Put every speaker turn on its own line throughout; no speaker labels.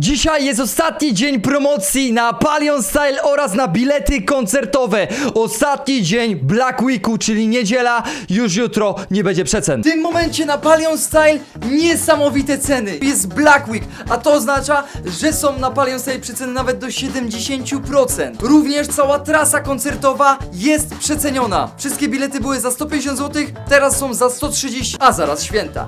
Dzisiaj jest ostatni dzień promocji na Palion Style oraz na bilety koncertowe. Ostatni dzień Black Weeku, czyli niedziela. Już jutro nie będzie przecen. W tym momencie na Palion Style niesamowite ceny. Jest Black Week, a to oznacza, że są na Palion Style przeceny nawet do 70%. Również cała trasa koncertowa jest przeceniona. Wszystkie bilety były za 150 zł, teraz są za 130, a zaraz święta.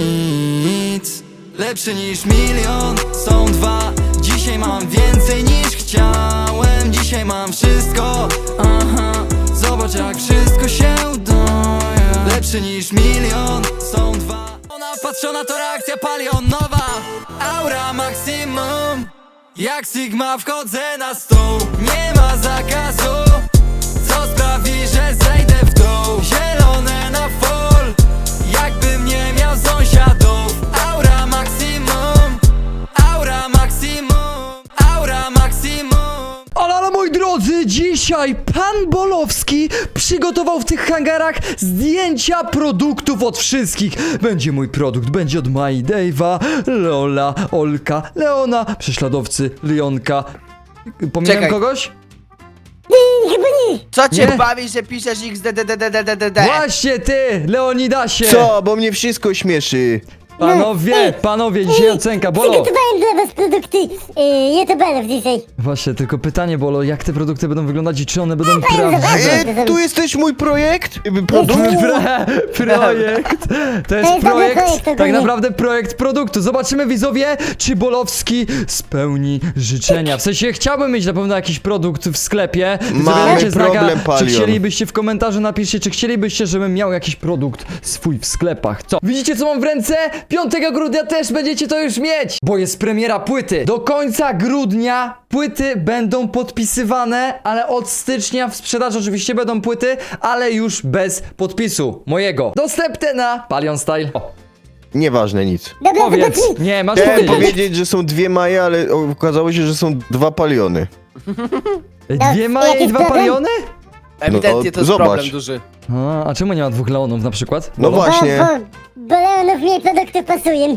Nic lepszy niż milion, są dwa. Dzisiaj mam więcej niż chciałem. Dzisiaj mam wszystko, aha. Zobacz jak wszystko się udaje. Lepszy niż milion, są dwa. Ona patrzona to reakcja palionowa. Aura maksimum. Jak Sigma wchodzę na stół. Nie ma zakazu, co sprawi, że zejdę w dół. Zielone na full, jakbym nie miał sąsiadów. Aura maksimum, aura maksimum, aura maksimum.
Ale moi drodzy, dzisiaj pan Bolowski przygotował w tych hangarach zdjęcia produktów od wszystkich. Będzie mój produkt, będzie od Mai, Dave'a, Lola, Olka, Leona, prześladowcy, Leonka. Pominąłem
Czekaj.
kogoś?
Chyba nie.
Co cię
Nie.
bawi, że piszesz XDDDDDD?
Właśnie ty, Leonidasie!
Co? Bo mnie wszystko śmieszy.
Panowie, dzisiaj ocenka, Bolo!
Przygotowałem dla was produkty youtuberów dzisiaj.
Właśnie, tylko pytanie, Bolo, jak te produkty będą wyglądać i czy one będą
zobaczę.
prawdziwe?
Tu jest też mój projekt? Produkt?
Projekt! To jest
dobry
projekt,
projekt
tak
ogólnie.
naprawdę projekt produktu. Zobaczymy, widzowie, czy Bolowski spełni życzenia. W sensie, chciałbym mieć na pewno jakiś produkt w sklepie. Widzowie,
Mamy
dajcie znaka,
problem,
czy
Palion.
chcielibyście w komentarzu, napiszcie, czy chcielibyście, żebym miał jakiś produkt swój w sklepach. Co? Widzicie, co mam w ręce? 5 grudnia też będziecie to już mieć, bo jest premiera płyty. Do końca grudnia płyty będą podpisywane, ale od stycznia w sprzedaży oczywiście będą płyty, ale już bez podpisu mojego. Dostępne na Palion Style. O,
Nieważne, nic.
Dobra,
powiedz.
zobaczymy.
Nie, masz
Chciałem
powiedzieć.
powiedzieć, że są dwie Maje, ale okazało się, że są dwa Paliony.
Dwie Maje i
Jakiś
2
problem?
Paliony?
Ewidentnie to jest
zobacz.
problem duży.
A czemu nie ma 2 Leonów na przykład?
No właśnie.
Bo Leonów mniej produktów pasują.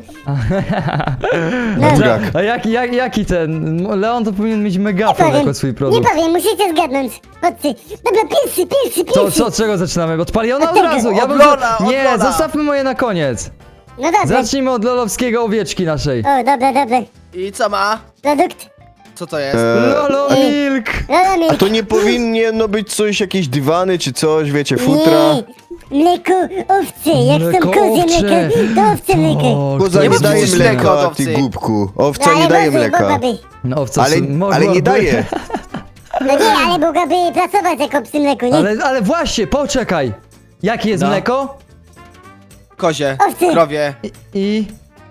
Burak.
A jaki ten? Leon to powinien mieć megafon jako swój
Nie
produkt.
powiem, musicie zgadnąć. Chodźcie. Dobra, pierwszy.
Co, od czego zaczynamy? Od Paliona od
Od tego.
razu? Ja
Od
bym
Lola, od
Nie,
Lola.
zostawmy moje na koniec.
No dobra.
Zacznijmy od lolowskiego owieczki naszej.
O, dobra.
I co ma?
Produkt.
Co to jest?
Lolo Milk!
Lola milk.
A to nie powinno być coś, jakieś dywany czy coś, wiecie, futra?
Nie. Mleko owce. Jak
Mleko
są kozie
owcze.
mleko, to owce mleko.
O,
Koza
Nie
nie
ma
daje
przecież mleka
mleka,
od
ty
owcy.
głupku. Owca nie daje mleka.
Mogłaby.
No owca
Ale
mogłaby.
nie daje.
No nie, ale mogłaby pracować jako przy mleku, nie?
Ale właśnie, poczekaj. Jakie jest
No.
mleko?
Kozie,
Owcy.
krowie.
I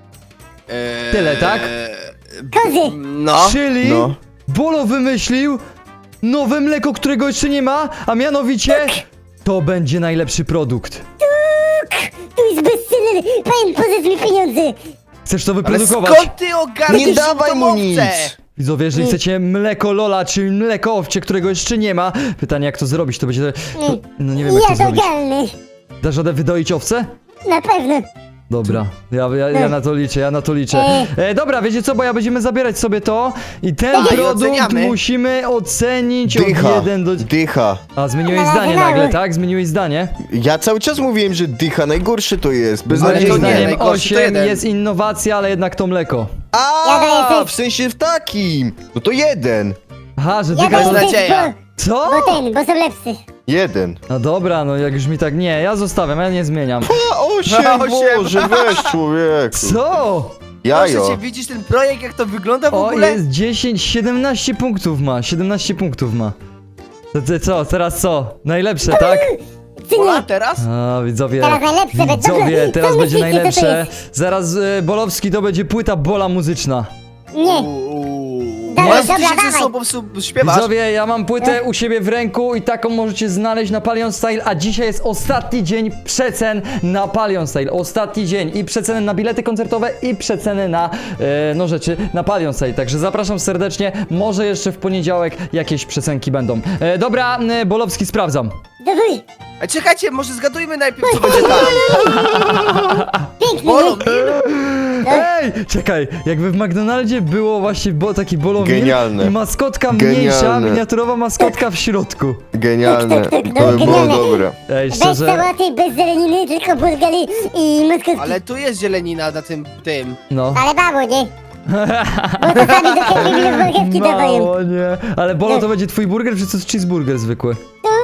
tyle, tak?
Kozie.
No.
Czyli
No.
Bolo wymyślił nowe mleko, którego jeszcze nie ma, a mianowicie to będzie najlepszy produkt.
Tu jest bestseller. Pan, pożycz mi pieniądze.
Chcesz to
Ale
wyprodukować?
skąd ty ogarniesz
Nie dawaj mu
tą
nic.
owcę?
Widzowie, jeżeli chcecie mleko Lola, czyli mleko owcze, którego jeszcze nie ma, pytanie jak to zrobić, to będzie... No nie wiem jak to zrobić.
Jadalny.
Dasz radę wydoić owce?
Na pewno.
Dobra, ja na to liczę, dobra, wiecie co, bo ja będziemy zabierać sobie to i ten
Tak, i
produkt
oceniamy.
musimy ocenić
Dycha.
od 1 do...
Dycha.
A, zmieniłeś
Ale
zdanie
mało.
nagle, tak? Zmieniłeś zdanie?
Ja cały czas mówiłem, że dycha najgorsze to jest.
Moim
to nie,
Beznadziejnie.
zdaniem
najgorszy to
8
jeden.
jest innowacja, ale jednak to mleko.
Ja daję
A,
sześć.
w sensie w takim. No to jeden.
Aha, że
Ja
dycha...
daję
jest
sześć,
nadzieja.
Co?
bo są lepsze.
Jeden.
No dobra, no jak już mi tak... Nie, ja zostawiam, ja nie zmieniam.
A, osiem,
Osiem.
Boże, weź człowieku.
Co?
Jajo.
Proszę cię, widzisz ten projekt, jak to wygląda w
O,
ogóle?
jest 10, 17 punktów ma, 17 punktów ma. Co, teraz co? Najlepsze, tak?
Czy
Ola,
nie?
teraz?
A, widzowie,
Teraz najlepsze,
widzowie,
dobra,
teraz
co
będzie
myślicie, co to
najlepsze.
jest?
Zaraz Bolowski to będzie płyta Bola muzyczna.
Nie.
Dobra,
dobra,
ty się
dawaj.
ze sobą śpiewasz?
Widzowie, ja mam płytę u siebie w ręku i taką możecie znaleźć na Palion Style, a dzisiaj jest ostatni dzień przecen na Palion Style. Ostatni dzień i przeceny na bilety koncertowe i przeceny na, no rzeczy na Palion Style. Także zapraszam serdecznie, może jeszcze w poniedziałek jakieś przecenki będą. Dobra, Bolowski sprawdzam.
Dawaj.
A czekajcie, może zgadujmy najpierw, co będzie tam.
Piękny,
Bolo,
nie?
Ej, czekaj, jakby w McDonaldzie było właśnie taki bolownik
Genialne.
i maskotka mniejsza,
Genialne.
miniaturowa maskotka w środku.
Genialne.
Tak, tak, tak,
To by było
genialne.
dobre.
Ej,
Bez
szczerze,
sałaty, bez zeleniny, tylko burgery i maskotki.
Ale tu jest zielenina na tym.
no.
Ale mało, nie? Bo to sami do Happy Mealów marchewki dawają.
Mało, nie. Ale Bolo, to będzie twój burger, czy to jest cheeseburger zwykły?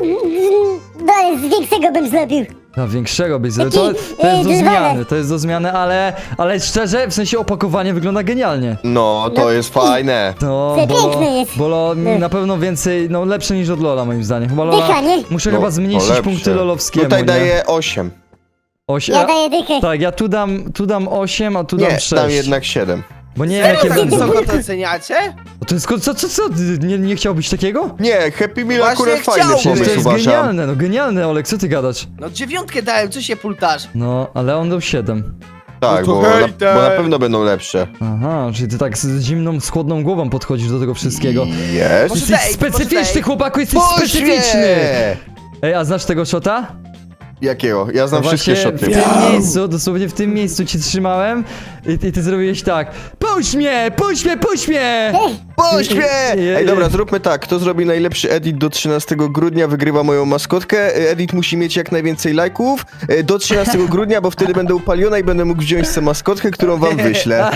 No, ale z większego bym zrobił.
No, większego byś zrobił. To jest do
dywany.
zmiany, to jest do zmiany, ale szczerze, w sensie opakowanie wygląda genialnie.
No, to jest fajne.
No,
Przepiękne jest.
Bolo
No.
na pewno więcej, no lepsze niż od Lola moim zdaniem. Chyba Lola,
Dycha, nie?
muszę
No,
chyba
to
zmniejszyć
lepsze.
punkty lolowskiemu,
Tutaj
nie?
daję 8.
Osiem,
Ja daję dychę.
tak, ja tu dam 8, a tu
Nie,
dam 6.
dam jednak 7.
Bo nie wiem
Serio
jakie
tak
będą.
wysoko to oceniacie?
To jest, co? Nie chciałbyś takiego?
Nie, Happy Meal
Właśnie
akurat fajny
chciałbym.
Przecież to
pomysł,
jest
uważam.
genialne, no genialne, Olek, co ty gadasz?
No 9 dałem, co się pultasz?
No, ale on dał 7.
Tak,
No to
bo
hejter.
bo na pewno będą lepsze.
Aha, czyli ty tak z zimną, z chłodną głową podchodzisz do tego wszystkiego.
Jest.
Może
Jesteś
daj,
specyficzny,
może daj.
chłopaku, jesteś specyficzny!
Poświe!
Ej, a znasz tego shota?
Jakiego? Ja znam
No
wszystkie
właśnie
szoty.
w tym miejscu, dosłownie w tym miejscu cię trzymałem i ty zrobiłeś tak. Puść mnie, puść mnie, puść mnie!
Poświe!
Je-
Ej, dobra, zróbmy tak. Kto zrobi najlepszy edit do 13 grudnia, wygrywa moją maskotkę. Edit musi mieć jak najwięcej lajków. Do 13 grudnia, bo wtedy będę upaliona i będę mógł wziąć tę maskotkę, którą wam wyślę.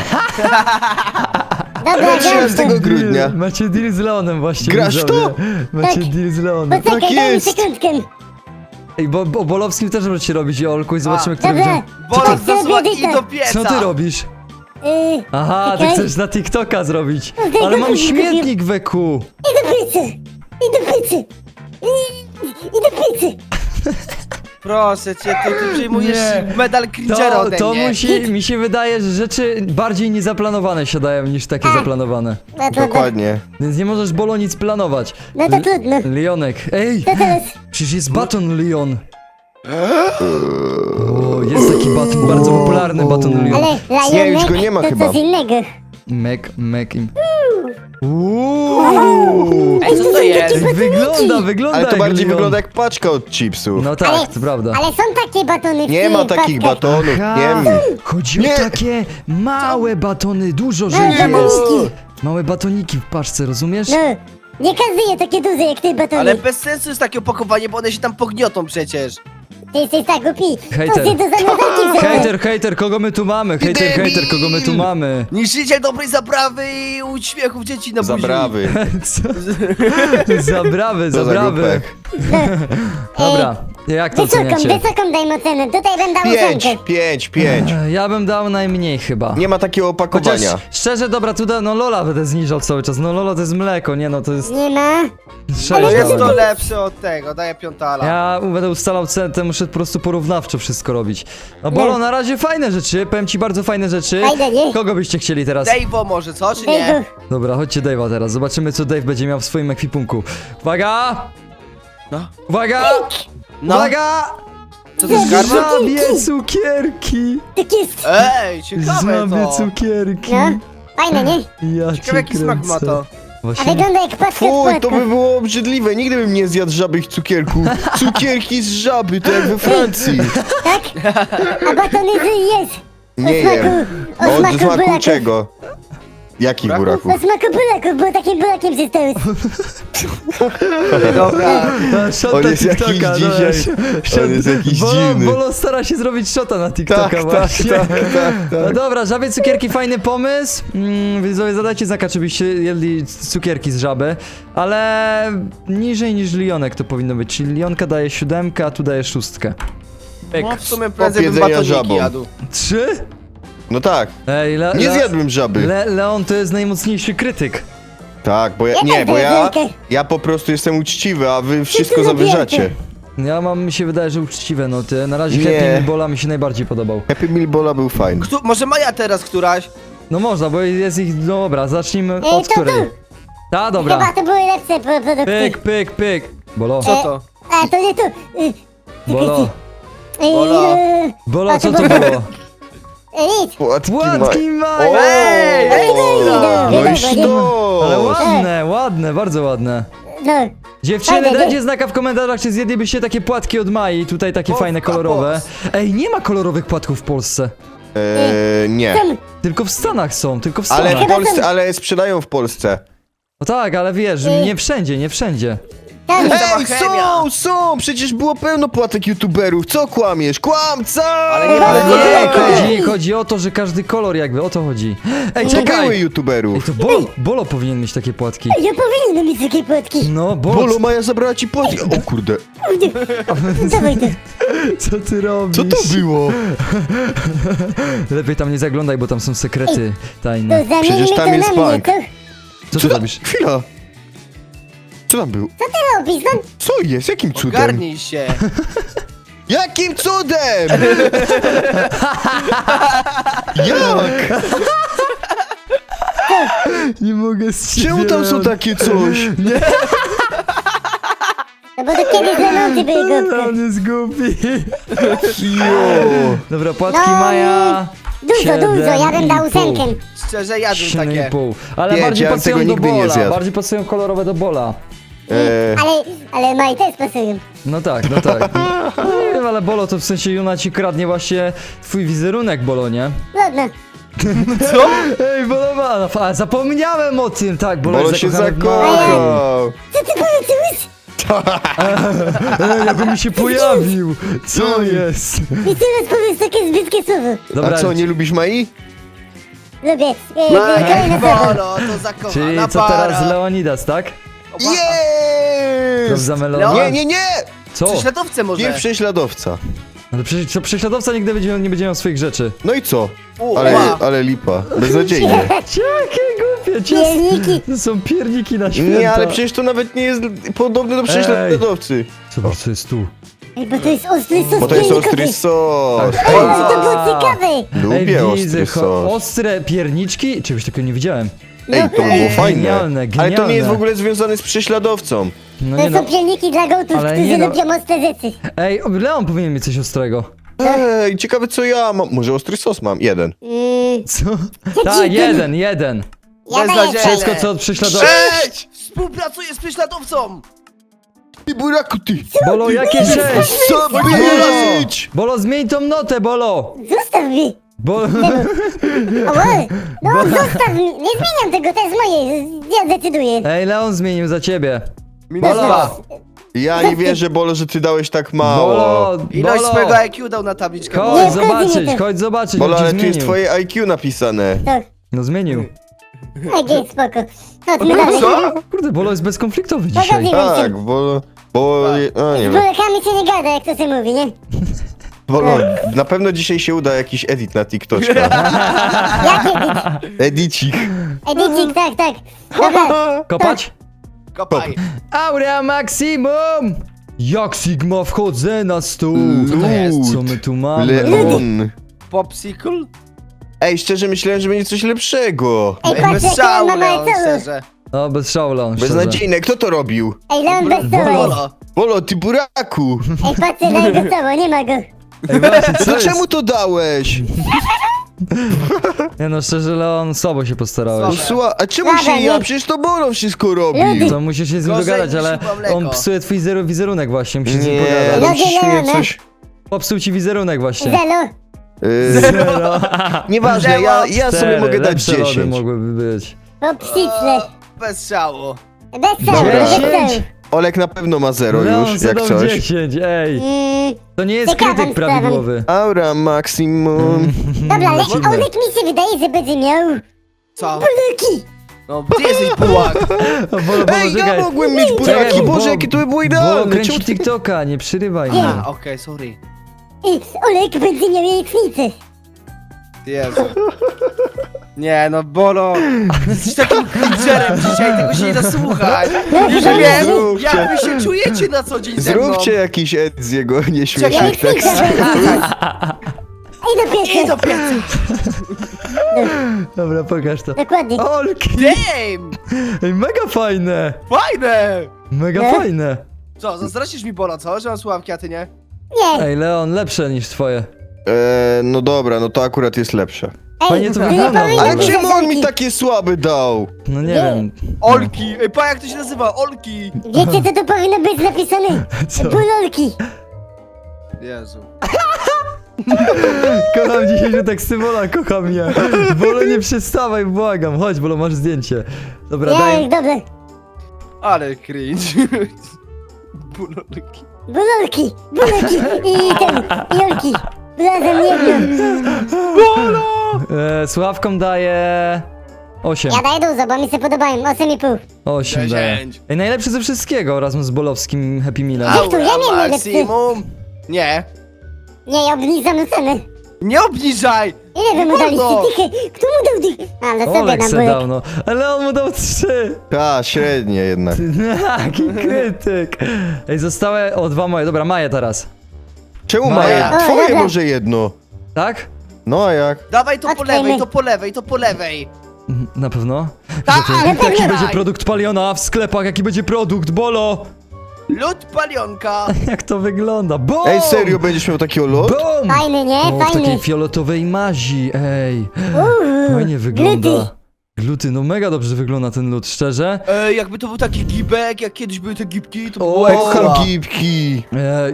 Dobra,
Do
gram
13
to.
grudnia.
Macie deal z Leonem właśnie.
Grasz
widzowie.
to?
Macie
Tak.
deal z Leonem.
Poczekaj,
Tak
daj mi
jest.
sekundkę.
Ej, bo o Bolowskim też możecie robić, Olku, i zobaczymy, który
Dobra.
będzie...
Bolot
ty robię
zasłoni
dychę?
do pieca.
Co ty robisz? Aha, ty
czekaj.
chcesz na TikToka zrobić.
No,
Ale mam
kupił.
śmietnik weku.
I do pizzy. I do pizzy. I do pizzy.
Proszę cię, ty przyjmujesz
Nie.
medal cringera ode
To
mnie.
mi się wydaje, że rzeczy bardziej niezaplanowane się dają niż takie zaplanowane.
No to,
Dokładnie.
Więc nie możesz, Bolo, nic planować.
no to trudno.
Leonek, ej!
To teraz.
Przecież jest baton Leon. O, jest taki baton, bardzo popularny baton Leon.
Ale lajonek
Nie, już go nie ma
to
chyba.
coś innego.
Mac im. Uuu!
Ej, co to jest?
Wygląda
Ale to
jak
bardziej
Leon.
wygląda jak paczka od chipsów.
No tak, to prawda.
Ale są takie batony w
Nie ma
tych
takich
paczkach.
batonów,
Aha,
nie.
chodzi
Nie.
o takie małe batony, dużo że
Małe
ich jest.
batoniki.
Małe batoniki w paczce, rozumiesz?
No, nie każdy je takie duże jak ty batony.
Ale bez sensu jest takie opakowanie, bo one się tam pogniotą przecież.
Ty jesteś tak głupi.
Hejter.
To się do zamrażarki wziąłem.
Hejter, kogo my tu mamy? Hejter, kogo my tu mamy?
Niszczyciel dobrej zaprawy i uśmiechów dzieci na buzi.
Zabrawy.
Co? Zabrawy,
To za
zabrawy.
głupek.
Dobra, jak to oceniacie?
Wysoką dajmy ocenę. Tutaj bym dał
5,
ósemkę.
5.
Ja bym dał najmniej chyba.
Nie ma takiego
Chociaż
opakowania.
szczerze, dobra, tu no Lola będę zniżał cały czas. No Lola to jest mleko, nie no, to jest
Nie ma.
6
No jest to
dałem.
lepsze od tego, daję piątala.
Ja będę ustalał cenę, muszę po prostu porównawczo wszystko robić. No Bolo, na razie fajne rzeczy, powiem ci bardzo fajne rzeczy.
Fajne, nie?
Kogo byście chcieli teraz?
Dave'o może, co, czy nie?
Dejgu.
Dobra, chodźcie Dave'a teraz, zobaczymy co Dave będzie miał w swoim ekwipunku. Uwaga!
No.
Uwaga!
No.
Uwaga!
Co to jest karma?
Żabie cukierki!
Tak jest.
Ej, ciekawe
Żabie
to.
cukierki!
No, fajne, nie?
Ja
Ciekawe jaki smak ma to.
A
Właśnie...
wygląda jak paczka z
Fuj, to
płatków.
by było obrzydliwe. Nigdy bym nie zjadł żabych cukierków. Cukierki z żaby, to jak we Francji.
Tak? A batony jest.
Nie
smaku-
jem.
o smaku
Od smaku
buraków.
czego? Jakich buraków?
O smaku buraków, bo takim burakiem zostałeś.
Dobra.
Shota
On jest jakiś
TikToka,
dzisiaj-
shot-
on jest jakiś
Bolo,
dziwny.
Bolo stara się zrobić shota na TikToka
Tak,
właśnie.
tak.
No dobra, żabie cukierki, fajny pomysł. Widzowie, zadajcie znaka, czy byście jedli cukierki z żaby. Ale niżej niż Lionek to powinno być. Czyli Lionka daje 7, a tu daje 6. Pyk.
No w sumie prędzej bym
jedzenia
batoniki
żabą.
jadł.
3?
No tak.
Ej,
Nie zjadłem żaby.
Leon to jest najmocniejszy krytyk.
Tak, bo ja,
Ja
nie,
też
bo
daję
ja po prostu jestem uczciwy, a wy wszystko
to
zawyżacie.
Mi się wydaje, że uczciwe noty. Na razie
Nie.
Happy Meal Bola mi się najbardziej podobał.
Happy Meal Bola był fajny.
Może Maja teraz któraś?
No można, bo jest ich... No dobra, zacznijmy
Ej,
od
to
której.
tu.
Ta, dobra.
Chyba to były lepsze produkty.
Pyk. Bolo,
Co to?
A, to nie tu.
Bolo,
Bolo.
Bolo,
A,
co
to
to
było-
było?
Nic.
Płatki maj!
O!
Ej,
No i sztos!
Ale ładne, bardzo ładne.
No.
Dziewczyny,
Fajne,
dajcie
nie?
znaka w komentarzach, czy zjedlibyście takie płatki od Mai, tutaj takie fajne, kolorowe. Ej, nie ma kolorowych płatków w Polsce.
Nie.
Są.
Tylko w Stanach są, tylko w
Ale
Stanach.
w Polsce, ale sprzedają w Polsce.
No tak, ale wiesz, nie wszędzie, nie wszędzie.
Tam.
Ej,
chemia.
są! Przecież było pełno płatek youtuberów. Co kłamiesz? Kłamca!
Ale nie
Ale
mamy
nie,
kolorów.
chodzi o to, że każdy kolor jakby, o to chodzi. Ej,
Nie były
czekaj! Ej,
youtuberów.
to Bolo powinien mieć takie płatki.
Ja powinienem mieć takie płotki.
No,
Bolo, Maja zabrała ci płatki. O kurde.
Dawaj to.
co ty robisz?
Co to było?
Lepiej tam nie zaglądaj, bo tam są sekrety
To
tajne.
zamienimy
Przecież tam
to
jest
na mnie,
bank.
co?
Co ty robisz?
Chwila. Co tam było?
Co ty robisz? No,
Co jest? Jakim cudem?
Ogarnij się.
Jakim cudem? Jak?
Nie mogę z ciebie.
Czemu tam są takie coś?
no bo to kiedyś lalący były głupko.
On jest głupi.
Jo.
Dobra, płatki
No,
Maja.
Dużo, ja bym dał
7,5.
8.
Szczerze, jadłem takie.
7,5. Ale
Nie,
bardziej
ja
pasują
tego
do
nigdy nie
Bola.
zjadł.
Bardziej pasują kolorowe do Bola.
Ale Maj też pasują.
No tak, no tak. Nie wiem, ale Bolo to w sensie Juna ci kradnie właśnie twój wizerunek, Bolo, nie?
Ładno.
Ej, Bolo ma... A, zapomniałem o tym, tak, Bolo,
Bolo
jest
się
zakochany w Mai.
zakochał.
Co ty powiedziałeś?
Ej, jakby mi się pojawił. Co jest?
I teraz powiesz takie brzydkie słowo.
Dobra,
A co, nie lubisz Mai?
Lubię. Kolejne słowo.
Bolo, to zakochana
czyli co
para.
teraz Leonidas, tak?
Jest!
Prawda, Melona?
Nie, nie, nie!
Co?
Prześladowcę może.
Nie prześladowca.
Ale co, prześladowca nigdy nie będzie miał swoich rzeczy.
No i co?
U,
Ale,
ła.
ale lipa. Beznadziejnie.
Jakie głupie,
Pierniki.
To są pierniki na święta.
Nie, ale przecież to nawet nie jest podobne do prześladowcy.
Zobacz, co jest tu.
Ej, bo to jest ostry sos
Bo to jest
piernikowy.
ostry sos.
Ej, no to było ciekawe.
Lubię
Ej, widzę,
ostry sos.
ostre pierniczki? Czegoś takiego nie widziałem.
Ej, to by było fajne.
Genialne,
Ale to nie
genialne.
jest w ogóle związane z prześladowcą.
No
To
nie
są
no.
pierniki dla gołtów,
Ale
którzy
nie no.
lubią ostre rzeczy.
Ej, Leon powinien mieć coś ostrego.
Ej, ciekawe co ja mam. Może ostry sos mam? Jeden.
Co? Tak, jeden.
Ja daję
Beznadziejne.
Wszystko co od prześladowcy.
Cześć! Współpracuję z prześladowcą!
Ty buraku, ty!
Bolo, jakie 6?
Co być?
Bolo, zmień tą notę, Bolo!
Zostaw mnie.
Bolo...
Ała. No zostaw mnie. Nie zmieniam tego, to jest moje. Ja decyduję.
Ej, Leon zmienił za ciebie.
Minus 2.
Ja nie wierzę, Bolo, że ty dałeś tak mało.
Bolo,
Ilość
Bolo!
swojego IQ dał na tabliczkę.
Nie,
Chodź
wchodzi mi to.
zobaczyć, chodź
Bolo,
on ci
ale tu jest
zmienił.
twoje IQ napisane.
Tak.
No zmienił.
Okej, spoko. Chodźmy dalej.
Co?
Kurde, Bolo jest bezkonfliktowy dzisiaj.
Pogodziłem
Tak,
się.
Bolo... No
Z
nie wiem.
bulekami się nie gada, jak to się mówi, nie?
Bolo, na pewno dzisiaj się uda jakiś edit na TikToka.
Jaki edit?
Edicik.
Edycik, tak. Dobra.
Kopać?
Kopaj.
Aurea Maximum! Jak Sigma wchodzę na stół. Co my tu mamy?
Leon.
Popsicle?
Ej, szczerze myślałem, że będzie coś lepszego.
Ej,
Ej,
patrz,
bez
jak
szału,
Leon ma
Leon,
małe celu.
szczerze.
No, bez szału, Leon, szczerze.
Beznadziejne, kto to robił?
Ej, Leon bez celu jest.
Bolo.
Bolo, ty buraku.
Ej, patrzcie na jego całe, nie ma go.
Ej, właśnie,
No
co
to
jest?
czemu to dałeś?
Nie no, szczerze, Leon, słabo się postarałeś.
Słabe.
Słuchaj, a czemu
Dobra,
się ja?
nie.
Przecież to Bolo wszystko robił.
Ludy.
To musisz się z nim
Gorzej
dogadać,
niż
ale
chyba mleko.
on psuje twój wizerunek właśnie, musisz z nim
Nie,
pogadać.
ale
Ludzie
przecież mnie
Leona.
coś...
Popsuł ci wizerunek właśnie.
Zelo.
Zero.
Nieważne, ja sobie mogę dać
Lepsze lody
10.
mogłyby być.
Popsicle.
Bez szału.
Bez celu,
Dobra.
bez
10.
celu.
Olek na pewno ma 0
Leon
już, jak
zadał
coś.
10, ej. To nie jest
Ciekawą
krytyk
sprawą.
prawidłowy.
Aura maximum.
Dobra, ale
Dziwne.
Olek mi się wydaje, że będzie miał
Co?
buleki.
No, ty jesteś bułak.
Bolo,
Ej, ja
czekaj.
mogłem mieć buraki,
Czekaj,
Boże, jakie to by było idealne.
kręci
Czemu ty...
TikToka, nie przerywaj mnie.
A, okej, sorry.
Ej, Olek będzie miał jajecznicę.
Jezu. Nie, no Bolo, jesteś takim cringerem dzisiaj, tego się nie da słuchać. Już
Zróbcie.
wiem, jak wy się czujecie na co dzień ze mną.
Zróbcie jakiś ed z jego nieśmiesznych
Czekaj,
tekstów.
Ej, do pieca.
I do pieca.
Dobra, pokaż to.
Dokładnie.
Olki!
Damn!
Ej, mega fajne!
Fajne!
Mega
Nie?
fajne!
Co, zazdrościsz mi Bolo, co? Że mam słuchawki, a ty nie?
Nie.
Ej, Leon, lepsze niż twoje.
No dobra, no to akurat jest lepsze.
Fajnie
Ej,
to
nie
wygląda,
powinno
Ale
Dobra.
być
czemu on mi
zazorki.
takie słabe dał?
No nie
Nie.
wiem.
Olki! Ej, pa, jak to się nazywa? Olki!
Wiecie, co tu powinno być napisane?
Co?
Bulolki.
Jezu.
Kocham dzisiaj tak Symola, kocham mnie. Bolo, nie przestawaj, błagam. Chodź, Bolo, masz zdjęcie. Dobra,
Ja,
daj.
dobra.
Ale cringe. Bulolki.
Bulolki i ten, i Jolki. Razem jedno.
Sławkom daje 8.
Ja daję dużo, bo mi się podobają. 8,5.
8 daje.
10.
Ej, najlepszy ze wszystkiego razem z bolowskim Happy Mealem.
Ej, tu ja miałem najlepszy.
maksimum. Nie.
Nie, ja obniżam cenę.
Nie obniżaj!
Ile wy mu daliście
Wolno.
dychy? Kto mu dał dychy? Ale sobie
Olek
na
se
bulek.
dał, no. Ale on mu dał 3.
Ta, średnie jednak.
Jaki krytyk. Ej, zostały 2 moje. Dobra, Maję teraz.
Czemu
Maja.
Maja?
O,
Twoje
dobra.
może jedno.
Tak?
No a jak?
Dawaj to po
Odkryjmy.
lewej, to po lewej, to po lewej.
Na pewno?
Tak,
Jaki
pewnie.
będzie produkt Paliona w sklepach? Jaki będzie produkt? Bolo!
Lód palionka.
Jak to wygląda? Boom!
Ej, serio będziesz miał takiego lot?
Boom!
Fajny, nie?
O, w takiej
Fajny.
fioletowej mazi, ej.
Uuu,
Fajnie wygląda.
gluty.
Gluty, no mega dobrze wygląda ten lód, szczerze.
Jakby to był taki gibek, jak kiedyś były te gibki, to by
O,
było
Kocham
ekstra.
gipki.
Ej.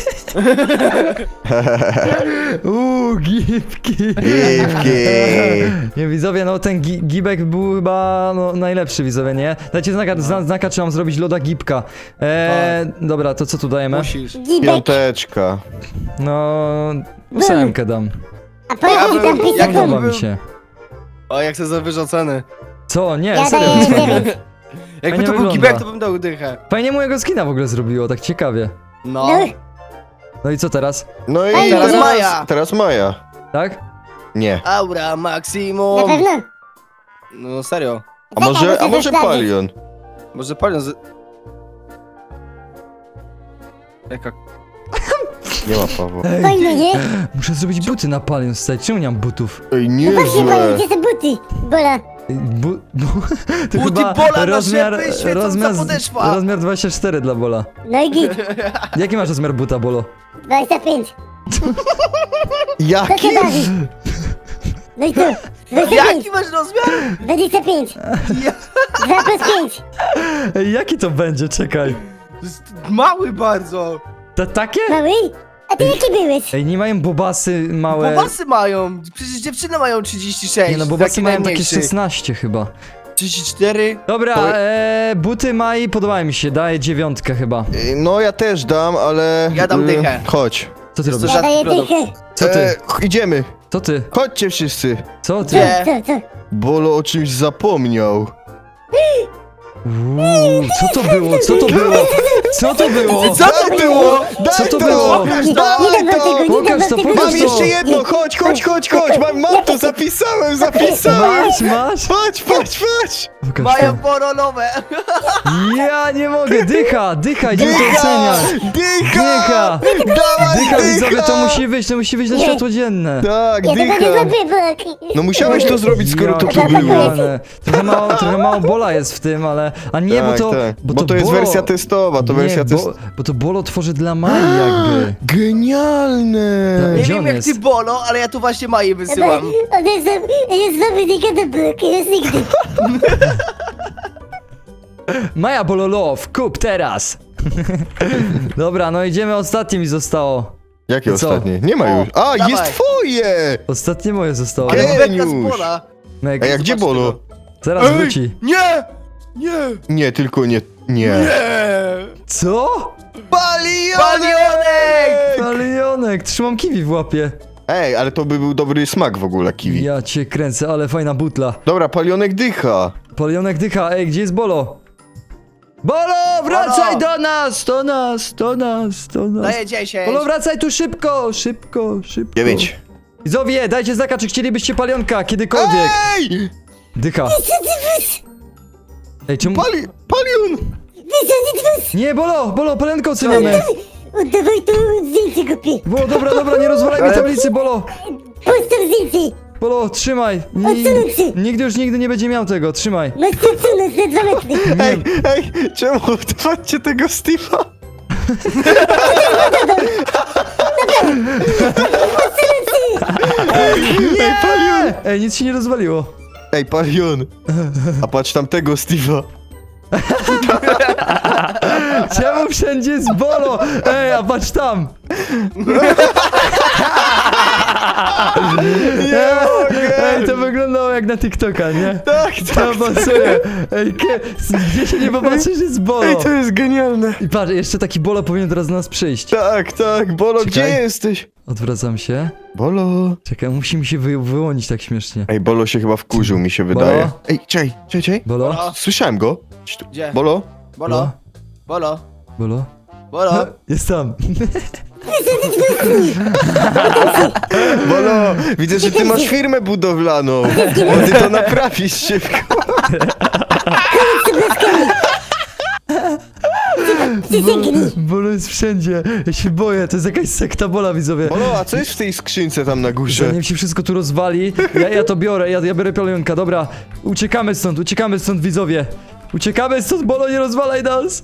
Gipki.
Gipki.
Nie, widzowie, no ten gibek był chyba no, najlepszy, widzowie, nie? Dajcie znaka, czy mam zrobić loda gibka. Dobra, to co tu dajemy?
Musisz.
Gibek.
Piąteczka.
No, 8 dam.
A po jaki tam
Jak
pisał?
to
Podoba
był?
mi się.
O, jak chcę zawyżą ceny.
Co? Nie,
Ja
serio.
daję
to jest fajne.
9.
Jakby
Fajnie
to był
wygląda.
gibek, to bym dał dychę.
Fajnie mojego skina w ogóle zrobiło, tak ciekawie.
No.
No,
No i co teraz?
No i
Ej,
teraz Maja.
Teraz Maja.
Tak?
Nie.
Aura
na
maksimum.
pewno.
No serio.
A może
muszę sprawdzić.
Palion?
Może palion z... Jaka...
Nie ma Pawła.
Ej,
Fajny, nie?
muszę zrobić buty na Palion Style. Czemu nie mam butów?
Ej,
No właśnie,
niezłe.
Palion, gdzie są buty? Bola.
To
Buty
chyba
Bola na
rozmiar,
szepy, świecąca podeszwa.
rozmiar 24 dla Bola.
No i git.
Jaki masz rozmiar buta, Bolo?
25. To
Jaki?
się bawi. No i co? 25.
Jaki masz rozmiar?
25.
Ja...
2 plus 5.
No
Ej, jaki to będzie? Czekaj.
To jest mały bardzo.
Takie?
Mały? A ty jaki byłeś?
Ej, nie mają bobasy małe.
Bobasy mają. Przecież dziewczyny mają 36.
Nie no, bobasy
taki
mają takie
najmniejszy.
16 chyba.
34.
Dobra,
To-
buty Mai podobają mi się, daję 9 chyba.
No ja też dam, ale...
Ja dam dychę.
Chodź.
Co ty
Jest to
robisz?
Ja
rzadki
daję
produkt.
dychę.
Co ty?
Idziemy.
Co ty?
Chodźcie wszyscy.
Co ty?
Gdzie?
Co?
Bolo o czymś zapomniał.
Co to było? Co to było? Co to było?
Co to było?
Co to
Daj
było?
Nie dam wam tego, nie dam
Pokaż
wam
to,
tego.
pokaż
Mam
to.
jeszcze jedno, chodź. Mam to, zapisałem.
Masz?
Patrz.
Pokaż
Mają
to.
porolowe.
Ja nie mogę, dycha, idziemy to oceniać.
Dycha!
Dycha, widzowie, to musi wyjść na
Nie.
światło dzienne.
Tak,
Ja tego nie
dycha.
zrobię, bo...
No musiałeś to zrobić, skoro to tu
Ja
było.
kochane. Trochę mało Bola jest w tym, ale... A nie,
Tak,
bo to...
tak. Bo to jest
Bolo-
wersja testowa, to
nie,
wersja testowa.
bo to Bolo tworzy dla Mai jakby.
Genialne!
Nie
Gdzie
wiem
on
jak
jest?
ty Bolo, ale ja tu właśnie Maję wysyłam.
On jest nowy nigga do bloku, jest nigdy.
Maja Bololow, kup teraz! Dobra, no idziemy, ostatnie mi zostało.
Jakie
Co?
ostatnie? Nie ma
O,
już. A,
dawaj.
jest twoje!
Ostatnie moje zostało.
Ale
Geniusz.
beka z Bola.
Meg,
A jak gdzie
Zobacz
Bolo?
tego.
zaraz wróci.
Nie! Nie!
Nie, tylko nie. Nie.
Co?
Palionek!
Palionek, trzymam kiwi w łapie.
Ej, ale to by był dobry smak w ogóle, kiwi.
Ja cię kręcę, ale fajna butla.
Dobra, palionek dycha.
Palionek dycha, ej, gdzie jest Bolo? Bolo, wracaj
Bolo!
do nas.
Daję 10.
Bolo, wracaj tu szybko.
9.
Widzowie, dajcie znaka, czy chcielibyście palionka kiedykolwiek.
Ej!
Dycha. Ej, czemu...
Palion!
Nie, Bolo, palionka oceniamy.
Oddawaj to zdjęcie głupie.
Bolo, dobra, nie rozwalaj mi tablicy, Bolo.
Postaw zdjęcie.
Bolo, trzymaj.
Odsunąć się.
Nigdy nie będzie miał tego, trzymaj.
Masz to odsunąć na 2 metry.
Ej, czemu odpadcie tego Steve'a? Ej, Palion!
Ej, nic się nie rozwaliło.
Ej, Palion! A patrz tamtego Steve'a.
Czemu wszędzie jest Bolo? Ej, a patrz tam. Ej, to wyglądało jak na TikToka, nie?
Tak,
To pasuje. Ej, gdzie się nie popatrzysz, jest Bolo.
Ej, to jest genialne.
I patrz, jeszcze taki Bolo powinien teraz do nas przyjść.
Tak, tak, Bolo,
Czekaj.
gdzie jesteś?
Odwracam się.
Bolo.
Czekaj, musi mi się wyłonić tak śmiesznie.
Ej, Bolo się chyba wkurzył, mi się wydaje.
Bolo?
Ej, czekaj.
Bolo?
Słyszałem go. Cii tu.
Gdzie?
Bolo?
Bolo, bolo,
Bolo?
bolo.
Jest tam.
Bolo, widzę, że ty masz firmę budowlaną. Bo ty to naprawisz szybko.
Bolo jest wszędzie. Ja się boję, to jest jakaś sekta Bola, widzowie.
Bolo, a co jest w tej skrzynce tam na górze?
Zanim się wszystko tu rozwali, ja to biorę, ja biorę palionka, dobra. Uciekamy stąd, widzowie. Uciekamy stąd, Bolo, nie rozwalaj nas.